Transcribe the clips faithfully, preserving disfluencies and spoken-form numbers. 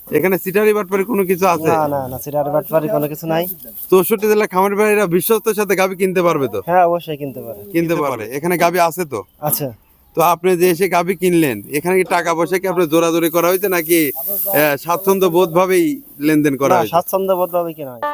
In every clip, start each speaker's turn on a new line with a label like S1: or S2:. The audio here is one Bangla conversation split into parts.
S1: এখানে সিটারি বাটপারি কোনো কিছু আছে?
S2: না না না সিটারি বাটপারি কোনো কিছু নাই।
S1: চৌষট্টি জেলা খামারি ভাইরা বিশ্বস্তের সাথে গাবি কিনতে পারবে তো?
S2: হ্যাঁ অবশ্যই কিনতে পারে।
S1: কিনতে পারে। এখানে গাবি আছে তো?
S2: আচ্ছা।
S1: তো আপনি যে এসে গাবি কিনলেন, এখানে কি টাকা পয়সা কি আপনার জোরাজোরি করা হয়েছে নাকি আহ, স্বাচ্ছন্দ্য বোধ ভাবেই লেনদেন করা
S2: না
S1: হয়েছে?
S2: স্বাচ্ছন্দ্য বোধ ভাবে কিনা হয়।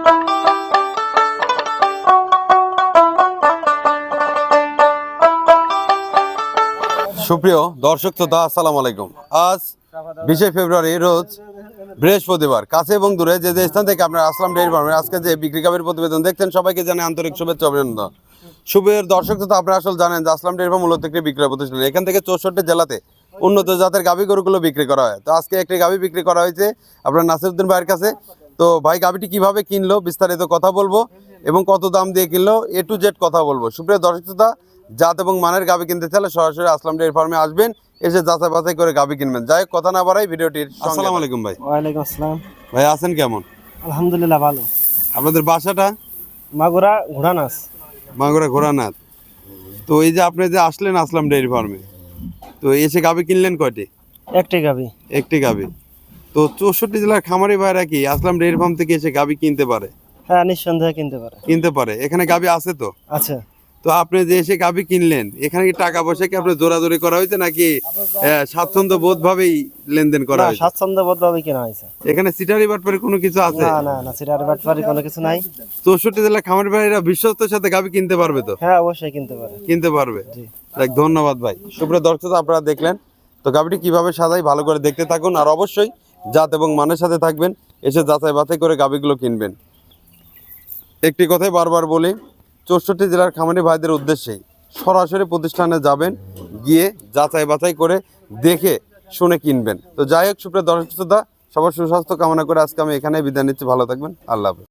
S1: সুপ্রিয় দর্শক শ্রোতা, আসসালামু আলাইকুম। আজ বিশে ফেব্রুয়ারি রোজ বৃহস্পতিবার। কাছে এবং দূরে যে যে স্থান থেকে আপনারা আসলাম ডেইরি ফার্মের আজকে যে বিক্রি গাভীর প্রতিবেদন দেখছেন, সবাইকে জানাই আন্তরিক শুভেচ্ছা অভিনন্দন। শুভের দর্শক শ্রোতা, আপনারা আসলে জানেন যে আসলাম ডেইরি ফার্ম মূলত একটি বিক্রয় প্রতিষ্ঠান। এখান থেকে চৌষট্টি জেলাতে উন্নত জাতের গাভী গরুগুলো বিক্রি করা হয়। তো আজকে একটি গাভী বিক্রি করা হয়েছে আপনার নাসিরউদ্দিন ভাইয়ের কাছে। তো ভাই গাভীটি কিভাবে কিনলো বিস্তারিত কথা বলবো এবং কত দাম দিয়ে কিনলো এ টু জেড কথা বলবো। সুপ্রিয় দর্শক শ্রোতা, জাত এবং মানের গাভী কিনতে চাইলে সরাসরি আসলাম ডেইরি ফার্মে আসবেন, এসে যাচাই বাছাই করে গাভী কিনবেন। যাই হোক, কথা না বাড়াই ভিডিওটির। আসসালামু আলাইকুম ভাই।
S2: ওয়ালাইকুম আসসালাম।
S1: ভাই আছেন কেমন?
S2: আলহামদুলিল্লাহ ভালো।
S1: আপনাদের বাসাটা?
S2: মাগুরা ঘোড়ানাস।
S1: মাগুরা ঘোড়ানাথ। তো এই যে আপনি যে আসলেন আসলাম ডেইরি ফার্মে, তো এসে গাভী কিনলেন কয়টি?
S2: একটি গাবি।
S1: একটি গাভী। তো চৌষট্টি জেলার খামারি ভাইরা কি আসলাম ডেইরি ফার্ম থেকে এসে গাভী কিনতে পারে?
S2: হ্যাঁ নিঃসন্দেহে কিনতে পারে।
S1: কিনতে পারে। এখানে গাভী আছে তো?
S2: আচ্ছা।
S1: তো আপনি যে এসে গাভী কিনলেন, এখানে কি টাকা পয়সা কি আপনার জোরাজোরি করা হয়েছে নাকি আহ, স্বাচ্ছন্দ্য বোধ ভাবেই লেনদেন করা
S2: না
S1: হয়েছে?
S2: স্বাচ্ছন্দ্য বোধ ভাবে কিনা হয়েছে।
S1: এখানে সিটারি বাটপারি কোনো কিছু আছে?
S2: না না না সিটারি বাটপারি কোনো কিছু নাই।
S1: চৌষট্টি জেলার খামারি ভাইরা বিশ্বস্তের সাথে গাভী কিনতে পারবে তো?
S2: হ্যাঁ অবশ্যই কিনতে পারে।
S1: কিনতে পারবে।
S2: জি।
S1: দেখ, ধন্যবাদ ভাই। সুপ্রিয় দর্শক, আপনারা দেখলেন তো গাভীটি কিভাবে সাজাই, ভালো করে দেখতে থাকুন আর অবশ্যই জাত এবং মানের সাথে থাকবেন, এসে যাচাই বাছাই করে গাভীগুলো কিনবেন। একটি কথাই বারবার বলি, চৌষট্টি জেলার খামারি ভাইদের উদ্দেশ্যেই সরাসরি প্রতিষ্ঠানে যাবেন, গিয়ে যাচাই বাছাই করে দেখে শুনে কিনবেন। তো যাই হোক, সুপ্রিয় দর্শক শ্রোতা, সবার সুস্বাস্থ্য কামনা করে আজকে আমি এখানে বিদায় নিচ্ছি। ভালো থাকবেন। আল্লাহ হাফেজ।